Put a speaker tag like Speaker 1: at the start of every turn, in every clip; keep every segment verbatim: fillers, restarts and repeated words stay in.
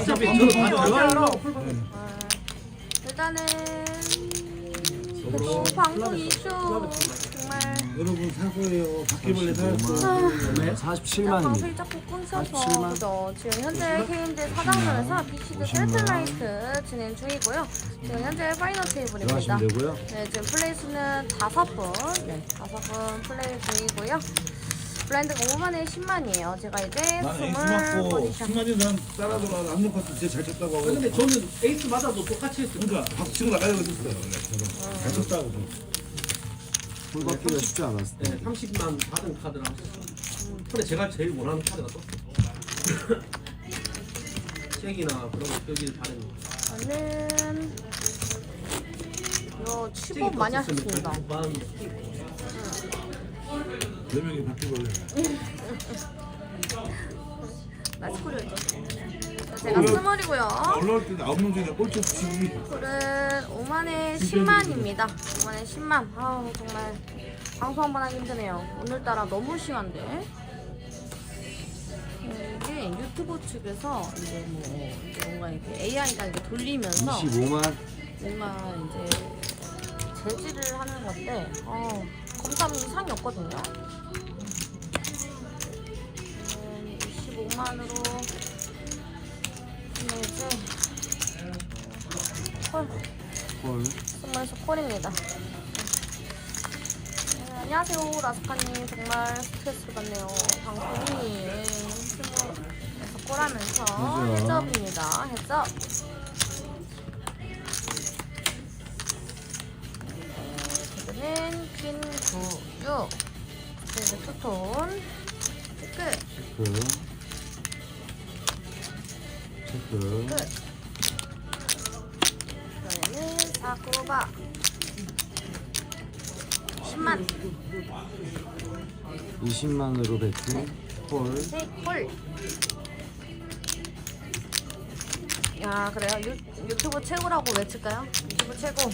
Speaker 1: 어차피
Speaker 2: 네.
Speaker 1: 저도 다
Speaker 2: 어때요?
Speaker 1: 들어가요.
Speaker 2: 아, 일단은 그래도 방송 이슈 정말
Speaker 3: 여러분 사소해요. 바퀴벌레 살았어.
Speaker 2: 아,
Speaker 4: 사십칠만입니다.
Speaker 2: 방송이 자꾸 끊겨서
Speaker 4: 사십칠만.
Speaker 2: 그죠. 지금 현재 케이엠제 사장전에서 비시드 셀프라이트 진행 중이고요. 지금 현재 파이널 테이블입니다.
Speaker 4: 들어가시면 되고요.
Speaker 2: 네, 지금 플레이 수는 다섯 분, 네, 다섯 분 플레이 중이고요. 블라인드가 오만에 십만이에요. 제가 이제
Speaker 3: 나는 에이스
Speaker 2: 스물
Speaker 3: 맞고
Speaker 2: 포지션.
Speaker 3: 승관이 사람 따라들어 안 놓고 진짜 잘 쳤다고 하고.
Speaker 1: 근데 저는 에이스 맞아도 똑같이 했어요.
Speaker 3: 그러니까 박수 치고 나가려고 했었어요. 원래 저는. 잘 쳤다고.
Speaker 4: 풀 받기가 쉽지 않았을
Speaker 1: 네,
Speaker 4: 때.
Speaker 1: 삼십만 받은 카드랑 근데 제가 제일 원하는 카드가 떴어요. 책이나 그런 거 끄길 바랬는데
Speaker 2: 저는 이거 칩업 많이 하셨습니다.
Speaker 3: 네 명이 바퀴벌레.
Speaker 2: 나스코리였죠. 제가 스몰이고요.
Speaker 3: 올라올 때 아홉 명 중에 꼴찌 치기.
Speaker 2: 콜은 오만에 십만입니다. 오만에 십만. 아우 정말 방송 한번 하기 힘드네요. 오늘따라 너무 심한데. 음, 이게 유튜브 측에서 이제 뭐 이제 뭔가 이렇게 에이아이가 이렇게 돌리면서
Speaker 4: 이십오만.
Speaker 2: 뭔가 이제 제지를 하는 건데 어, 검사하면 이상이 없거든요. 음, 이십오만으로 이제 콜
Speaker 4: 헐.
Speaker 2: 정말서 콜입니다. 네, 안녕하세요 라스카님. 정말 스트레스 받네요. 방송이 스몰에서 콜하면서
Speaker 4: 맞아요.
Speaker 2: 해접입니다. 해접. 는 퀸, 구, 육. 그래서 투톤. 끝.
Speaker 4: 체크. 체크.
Speaker 2: 끝. 그러면은 사쿠바. 십만.
Speaker 4: 이십만으로 배팅. 헐.
Speaker 2: 네, 콜. 야, 그래요? 유, 유튜브 최고라고 외칠까요? 유튜브 최고.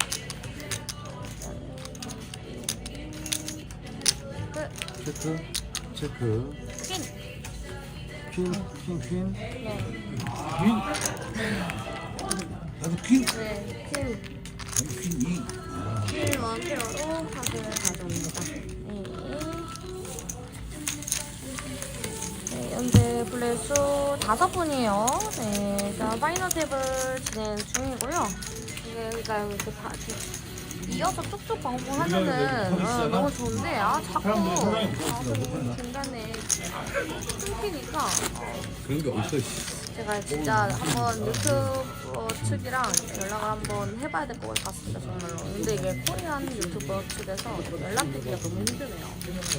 Speaker 2: 끝.
Speaker 4: 체크. 체크.
Speaker 2: 퀸.
Speaker 4: 퀸. 퀸. 퀸.
Speaker 2: 네.
Speaker 3: 퀸. 나도 퀸.
Speaker 2: 네, 퀸.
Speaker 3: 퀸 이.
Speaker 2: 퀸 원페어로 카드를 가져옵니다. 네. 네, 현재 플레이수 다섯 분이에요. 네, 일단 파이널 탭을 진행 중이고요. 이게 그러니까 이렇게 다 이렇게 이어서 쭉쭉 방송하면은 어, 너무 좋은데 아 자꾸 방송이 중간에 끊기니까 어,
Speaker 3: 그런 게 어딨어. 씨.
Speaker 2: 제가 진짜 한번 유튜버 측이랑 연락을 한번 해봐야 될 것 같습니다 정말로. 근데 이게 코리안 유튜버 측에서 연락드리기가 너무 힘드네요.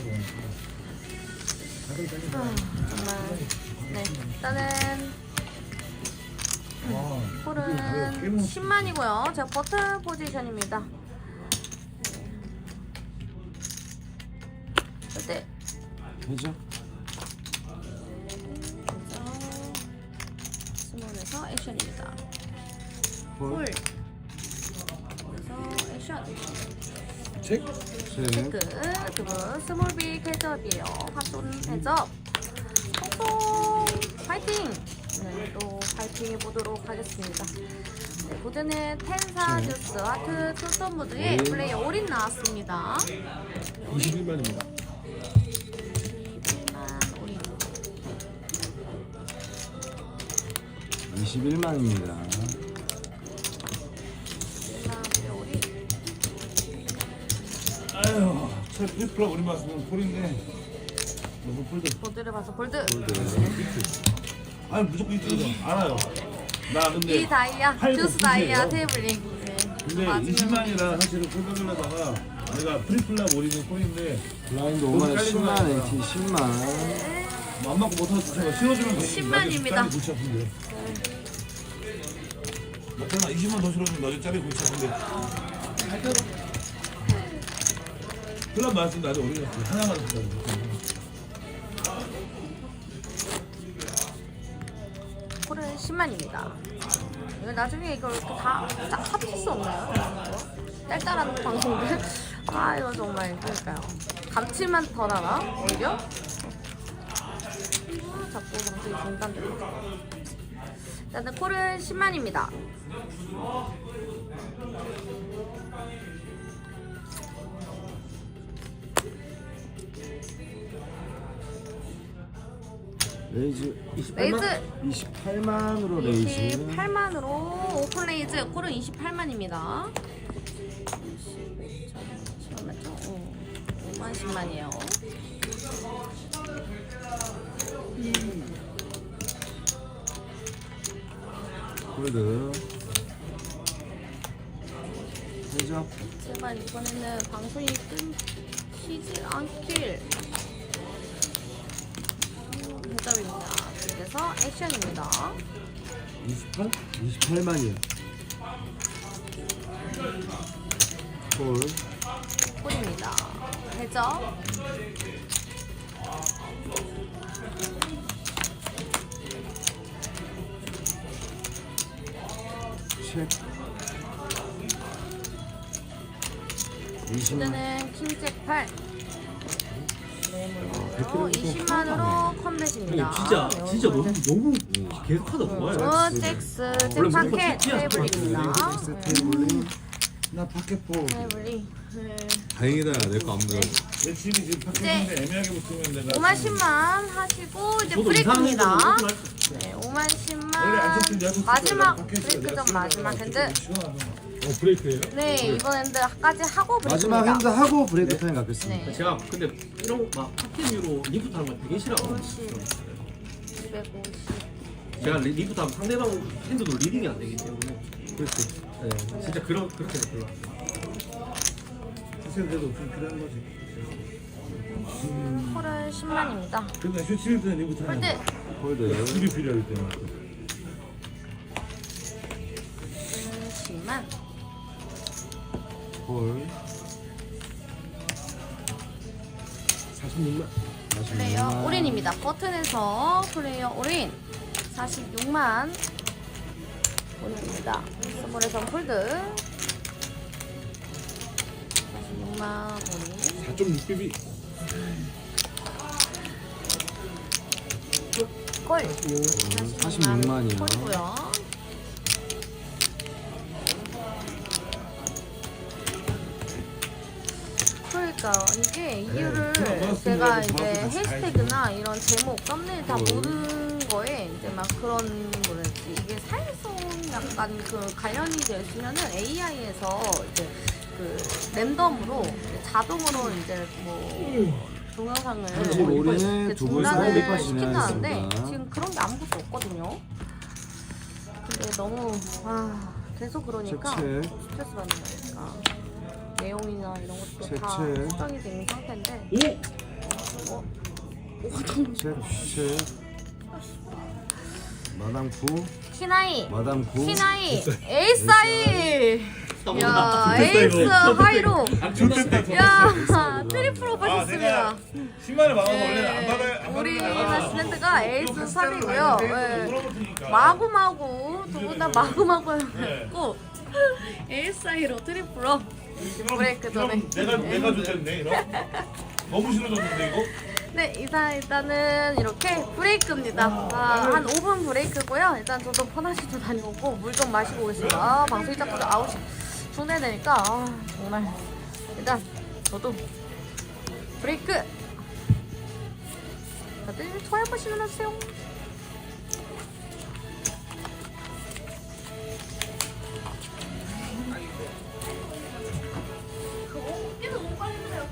Speaker 2: 아, 정말 네 일단은 콜은 십만이고요. 제가 버튼 포지션입니다. 절대
Speaker 4: 되죠?
Speaker 2: 스몰에서 액션입니다.
Speaker 4: 헐.
Speaker 2: 콜. 그래서 액션.
Speaker 3: 책.
Speaker 4: 체.
Speaker 2: 체크. 두분 스몰빅 해접이에요. 핫존 해접. 성공. 파이팅. 네, 또 파이팅 해보도록 하겠습니다. 네, 보드는 텐사 듀스 하트 투톤 모드의 플레이어 올인 나왔습니다.
Speaker 3: 이십일만입니다.
Speaker 2: 이십일만 올인.
Speaker 4: 이십일만입니다.
Speaker 2: 이십일만 올인.
Speaker 3: 아유, 첫 트리플라 우리 맛은 콜인데. 무슨 폴드?
Speaker 2: 보드를 봐서 볼드.
Speaker 3: 아니 무조건 이쪽에서 알아요. 나 근데
Speaker 2: 이 다이아,
Speaker 3: 팔고
Speaker 2: 듀스 다이아
Speaker 3: 구세요.
Speaker 2: 테이블링. 네.
Speaker 3: 근데
Speaker 2: 맞으면
Speaker 3: 이십만이라 사실은 콜받으려다가 내가 트리플라 올리는 콜인데
Speaker 4: 블라인드 오만에 십만. 에이티 십만.
Speaker 3: 뭐 안 맞고 못하고 제가 씌워주면
Speaker 2: 십만입니다.
Speaker 3: 골치 아픈데. 맞잖아. 이십만 더 실어주면 너희 짜리 골치 아픈데. 클럽 말씀 나도 올리겠어. 하나만 더.
Speaker 2: 콜은 십만입니다. 이거 나중에 이걸 이렇게 다, 다 합칠 수 없나요? 딸딸한 방송들? 아 이거 정말 그러니까요. 감칠만 더 나나? 오히려? 아, 자꾸 방송이 중단됩니다. 일단은 콜은 십만입니다.
Speaker 4: 레이즈
Speaker 1: 이십팔만?
Speaker 2: 레이즈
Speaker 4: 이십팔만으로 레이즈.
Speaker 2: 이십팔만으로 오픈 레이즈 콜은 이십팔만입니다. 잠깐만요. 어, 오만 십만이에요.
Speaker 4: 골드. 되죠?
Speaker 2: 제발 이번에는 방송이 끊기지 않길. 대답입니다. 그래서 액션입니다.
Speaker 4: 이십팔? 이십팔만이요. 골.
Speaker 2: 콜입니다. 대접.
Speaker 4: 책. 이십만.
Speaker 2: 이제는 킹잭 팔.
Speaker 4: 백
Speaker 2: 어, 이십만으로 컴뱃입니다.
Speaker 1: 진짜 진짜 너무 너무 계속하다 좋아요.
Speaker 2: 어, 잭스,
Speaker 1: 원래 무조건
Speaker 2: 잭파켓
Speaker 1: 잭이야.
Speaker 2: 테이블입니다.
Speaker 4: 잭스 테이블링. 나 파켓포.
Speaker 2: 테이블이. 네.
Speaker 5: 다행이다 내 거 안 묻어.
Speaker 3: 내 집이 지금 파켓인데 애매하게 붙으면 내가
Speaker 2: 오만 십만 하시고 이제
Speaker 1: 저도 이상한
Speaker 2: 브레이크입니다.
Speaker 1: 데는 오픈할 수 있어요.
Speaker 2: 네, 오만
Speaker 3: 원래 안
Speaker 2: 십만
Speaker 3: 쳤던 내가
Speaker 2: 마지막
Speaker 3: 파켓이라
Speaker 2: 브레이크
Speaker 3: 내가
Speaker 2: 점
Speaker 3: 쓰는
Speaker 2: 마지막
Speaker 3: 거라
Speaker 2: 핸드.
Speaker 3: 좀 시원하잖아.
Speaker 5: 어 브레이크예요?
Speaker 2: 네, 이번 핸드까지 하고
Speaker 4: 마지막 핸드
Speaker 2: 브레이크입니다.
Speaker 4: 하고 브레이크 타임 갖겠습니다.
Speaker 2: 네.
Speaker 1: 제가 근데 이런 막 파켓류로 리프트 하는 거 되게 싫어하거든요.
Speaker 2: 오십. 이백오십.
Speaker 1: 제가 리- 리프트 하면 상대방 핸드도 리딩이 안 되기 때문에 그렇지. 네, 진짜 그런 그렇게 별로. 안 좋아요.
Speaker 3: 사실 그래도 좀 필요한 거지.
Speaker 2: 콜은 십만입니다.
Speaker 3: 근데 쇼치일 때는 이부터 하는
Speaker 2: 홀드.
Speaker 3: 거야.
Speaker 4: 골드.
Speaker 3: 둘이 필요할 때는.
Speaker 2: 십만.
Speaker 4: 골.
Speaker 1: 사십육만.
Speaker 2: 플레이어 올인입니다. 버튼에서 플레이어 올인 사십육만 올인입니다. 스몰에서 폴드 사십육만 올인.
Speaker 5: 사 점 육 비비.
Speaker 2: 골
Speaker 4: 사십육만이요.
Speaker 2: 콜고요. 그러니까 이게 이유를
Speaker 3: 그냥
Speaker 2: 제가
Speaker 3: 넣었으면
Speaker 2: 이제
Speaker 3: 그래도 다
Speaker 2: 해시태그나 이런 제목 썸네일 다 모든 거에 이제 막 그런 뭐랄지 이게 사회성 약간 그 관련이 되시면은 에이아이에서 이제 그 랜덤으로 이제 자동으로 이제 뭐 동영상을
Speaker 4: 현지 올인에
Speaker 2: 이제
Speaker 4: 두 분
Speaker 2: 중단을
Speaker 4: 사이드
Speaker 2: 시킨다는데
Speaker 4: 진행하였습니다.
Speaker 2: 지금 그런 게 아무것도 없거든요. 근데 너무 아 계속 그러니까
Speaker 4: 책,
Speaker 2: 스트레스 받는 거니까. 내용이나 이런 것도
Speaker 4: 책,
Speaker 2: 다
Speaker 4: 책.
Speaker 2: 수정이 된 상태인데
Speaker 1: 오!
Speaker 2: 어? 오, 좀
Speaker 4: 책, 책. 마담 구.
Speaker 2: 키나이
Speaker 4: 마담 구.
Speaker 2: 키나이 에이스 하이 야
Speaker 1: 됐다,
Speaker 2: 에이스
Speaker 1: 이거.
Speaker 2: 하이로
Speaker 1: 좋겠다.
Speaker 2: 야 트리플로
Speaker 3: 아,
Speaker 2: 받았습니다.
Speaker 3: 내가 십만을 받아서 원래는 안 받아요. 안
Speaker 2: 우리
Speaker 3: 받아요.
Speaker 2: 나스랜드가 에이스 삼이고요. 네.
Speaker 3: 물어보니까.
Speaker 2: 마구마구 두 분 다 마구마구
Speaker 3: 네.
Speaker 2: 했고 에이스 하이로 트리플로 브레이크 전에.
Speaker 3: 내가 내가 좋겠네 이런. 너무 싫어졌는데 이거.
Speaker 2: 네, 이상 일단은 이렇게 브레이크입니다. 아, 한 오 분 브레이크고요. 일단 저도 편하시 좀 다녀오고 물 좀 마시고 오겠습니다. 아, 방송이 자꾸 아홉 시 중대되니까 아, 정말 일단 저도 브레이크. 다들 좋아요 버튼 눌러주세요. 그거 너무 빨리 그래요.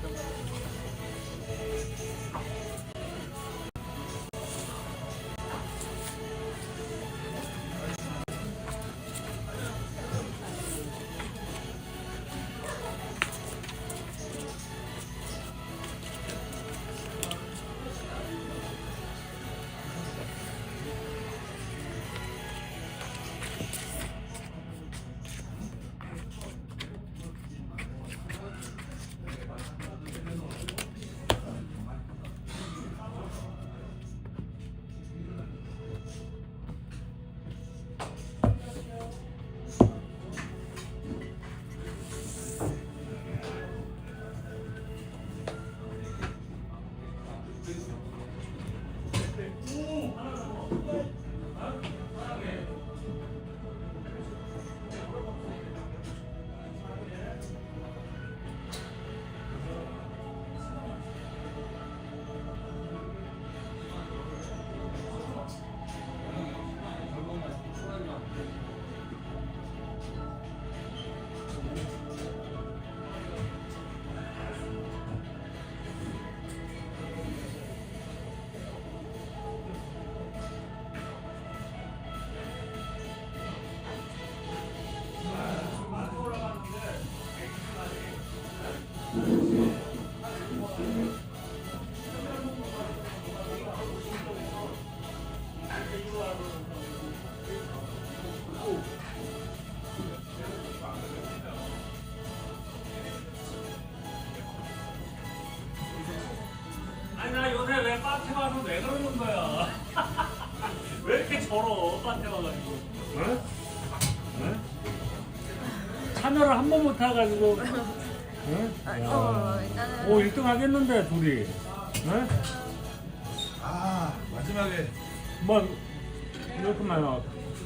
Speaker 6: 걸어 밭에 와가지고. 어? 어? 참여를 한 번 못 타가지고. 어?
Speaker 2: 어, 일단은
Speaker 6: 오 일 등 하겠는데 둘이. 어?
Speaker 3: 아 마지막에
Speaker 6: 뭐 이렇게 많이 나왔다.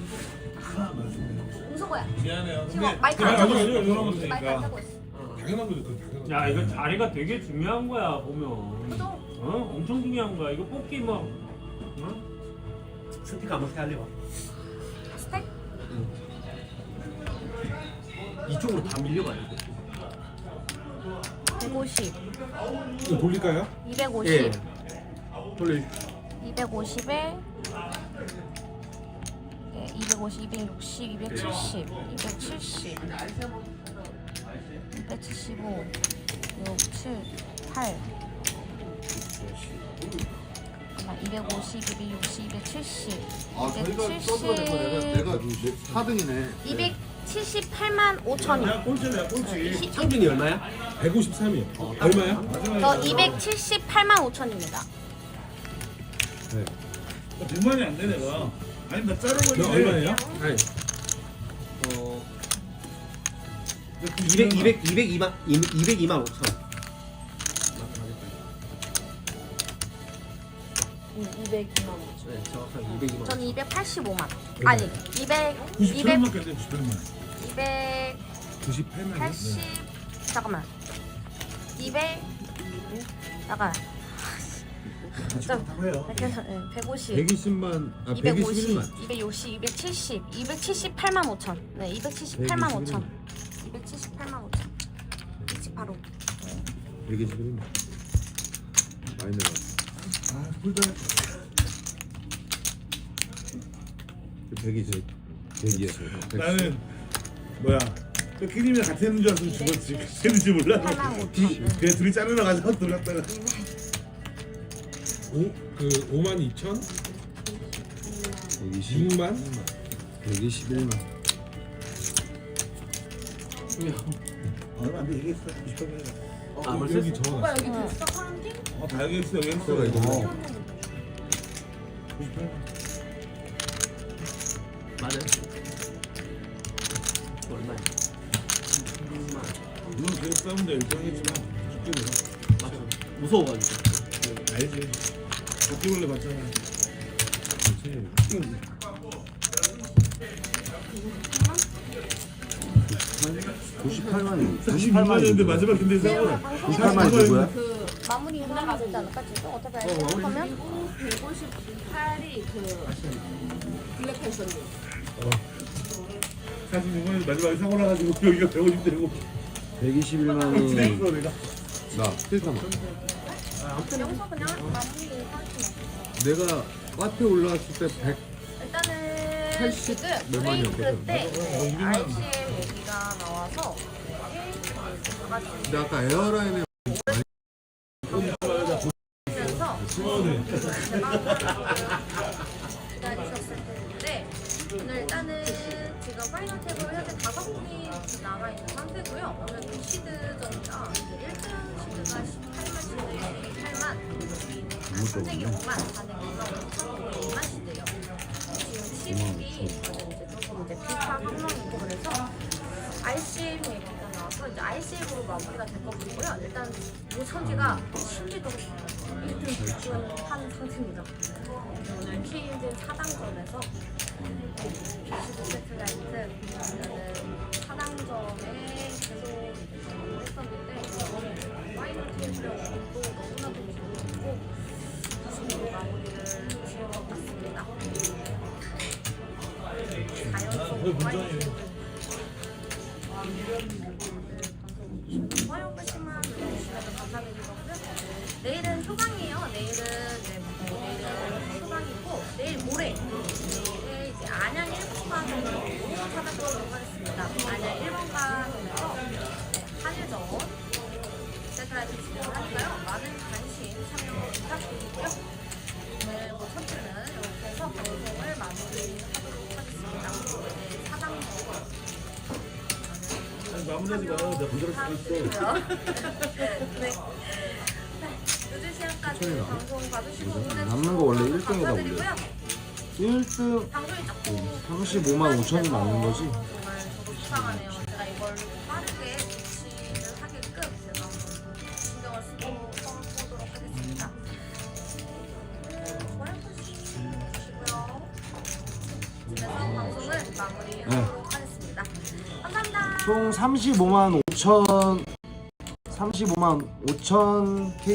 Speaker 2: 음소거야.
Speaker 3: 미안해요.
Speaker 2: 지금 마이크
Speaker 3: 그냥
Speaker 2: 안
Speaker 3: 아무나
Speaker 2: 켜고
Speaker 3: 이거
Speaker 2: 있어.
Speaker 3: 돌아보면
Speaker 2: 마이크 안
Speaker 3: 되니까.
Speaker 2: 켜고 있어.
Speaker 3: 당연한 거죠. 그건 당연한
Speaker 6: 야 이거 자리가 되게 중요한 거야 보면.
Speaker 2: 그죠?
Speaker 6: 어? 엄청 중요한 거야. 이거 뽑기 뭐. 어?
Speaker 1: 스피커 한번 세알려봐.
Speaker 2: 스택?
Speaker 1: 이쪽으로 다 밀려가야 돼.
Speaker 2: 백오십,
Speaker 3: 이거 돌릴까요?
Speaker 2: 이백오십,
Speaker 1: 예. 돌려.
Speaker 2: 이백오십에 예, 이백오십, 이백육십, 이백칠십, 이백칠십, 이백칠십오, 육, 칠, 팔. 잠깐만, 이백오십, 이백육십, 이백칠십,
Speaker 4: 아 저희가 써줘야 될거 내가 내가 사 등이네.
Speaker 2: 이백칠십팔만 오천이요.
Speaker 3: 내가 꼴찌야 꼴찌.
Speaker 1: 창준이 얼마야?
Speaker 3: 백오십삼이요. 얼마야?
Speaker 2: 저 이백칠십팔만 오천입니다.
Speaker 4: 네.
Speaker 3: 백만이 안 돼 내가. 아니 나 자른 거 얼마예요?
Speaker 1: 아니. 어. 이백, 이백, 이백이만, 이백이만 오천.
Speaker 2: 이백이만 오천.
Speaker 1: 네, 정확하게 이백이만.
Speaker 2: 전 이백팔십오만. 아니, 이백, 이백,
Speaker 3: 구십팔만 겠네 구십팔만.
Speaker 2: 이백.
Speaker 3: 구십팔만.
Speaker 2: 팔십 잠깐만 이백 잠깐
Speaker 3: 해요.
Speaker 2: 백오십
Speaker 5: 백이십만 아
Speaker 2: 이백오십
Speaker 5: 백이십일만.
Speaker 2: 이백육십 이백칠십 이백칠십팔만 오천 네 이백칠십팔만 오천 이백칠십팔만 오천 이십팔 호
Speaker 5: 백이십일만. 많이 내가.
Speaker 3: 아 꿀다.
Speaker 5: 백이십. 백이야 저.
Speaker 3: 나는 뭐야? 그 키님이랑 같이 했는 줄 알았으면 죽었지. 했는지 몰라.
Speaker 2: 팔만 오천
Speaker 3: 그냥 둘이 자르러 가서 돌렸다가.
Speaker 5: 오그 오만 이천.
Speaker 4: 백이십,
Speaker 5: 육만.
Speaker 4: 백이십일만.
Speaker 3: 얼마 안 돼. 얘기했어. 구십팔만.
Speaker 1: 아, 벌써
Speaker 5: 여기 적어놨어.
Speaker 2: 여기 됐어 사람들?
Speaker 3: 어, 다 여기 있어. 여기 있어.
Speaker 5: 그래, 이거 뭐.
Speaker 3: 어. 구십팔만.
Speaker 1: 맞아요. 얼마야? 이백만.
Speaker 3: 물론 계속 싸운다 일정했지만 죽게 되나?
Speaker 1: 맞아. 무서워가지고.
Speaker 3: 알지. 바퀴벌레 봤잖아.
Speaker 4: 구십팔만이.
Speaker 3: 구십육만이었는데 마지막 근데 싸워.
Speaker 4: 구십팔만이 누구야?
Speaker 2: 그 마무리 끝나가 되지 않을까 지금? 어차피 알고 생각하면
Speaker 7: 백오십팔이 그 블랙팬서님.
Speaker 3: 사십육만이 마지막에 사고 나가지고 여기가 백오십 되고.
Speaker 4: 백이십일만이
Speaker 3: 내가.
Speaker 5: 나 필타만.
Speaker 2: 여기서 그냥 마무리 하시면
Speaker 5: 내가 카페 올라왔을 때 백.
Speaker 2: 일단은
Speaker 5: 팔십
Speaker 2: 지금
Speaker 5: 몇만이었거든.
Speaker 2: 브레이크 때 알씨엠 얘기가 나와서
Speaker 5: 근데 아까 에어라인에
Speaker 2: 그래서
Speaker 3: 시원해.
Speaker 2: 기다리셨을 텐데 오늘 일단은 지금 파이널 탭으로 현재 다섯 분이 남아있는 상태고요. 오늘 두 시드전이라 이제 일 등 시드가 십팔만 시드, 십팔만 선생이 오만, 사등이 이만 시드예요. 지금 십육이 저는 이제 조금 이제 비파 상황이고 그래서 알씨엠 얘기가 나와서 이제 알씨엠으로 마무리가 될 것 같고요. 일단 오천지가 심지도 일 등 직전한 상태입니다. 오늘 K인진 차당전에서 비시드 세틀라이트 차당전에 계속 했었는데 파이널 테이블의 운도 너무나도 좋고 다시 마무리를 지을 것 같습니다. 자연스러운 파이널 테이블 화요일까지만 주시면 감사드리고요. 내일은 휴방이에요. 내일은 네, 뭐, 내일은 휴방이고 내일 모레 내일 이제 안양 일 번가전으로 찾아보도록 하겠습니다. 안양 일 번가전에서 네, 한일전 세트라이트 진행을 하니까요. 많은 관심 참여 부탁드리고요. 오늘 뭐 첫 주는 이렇게 해서 방송을 마무리하도록 하겠습니다. 네, 사당전
Speaker 3: 마무리하지 마. 내가 부자랄 수도 있어.
Speaker 2: 네. 늦은 시간까지 방송 봐주시고 응원해주셔서
Speaker 4: 남는 거 원래 일 등에다
Speaker 2: 감사드리고요.
Speaker 8: 일 등
Speaker 2: 방송이 조금
Speaker 8: 삼십오만 오천이 맞는 거지?
Speaker 2: 정말 저도 속상하네요. 제가 이걸 빠르게 조치를 하게끔 제가 한번 신경을 쓰고 써보도록 하겠습니다. 좋아요 해주시고요. 그래서 방송을 마무리하도록 하겠습니다. 감사합니다.
Speaker 8: 총 삼십오만 오천 삼십오만 오천 K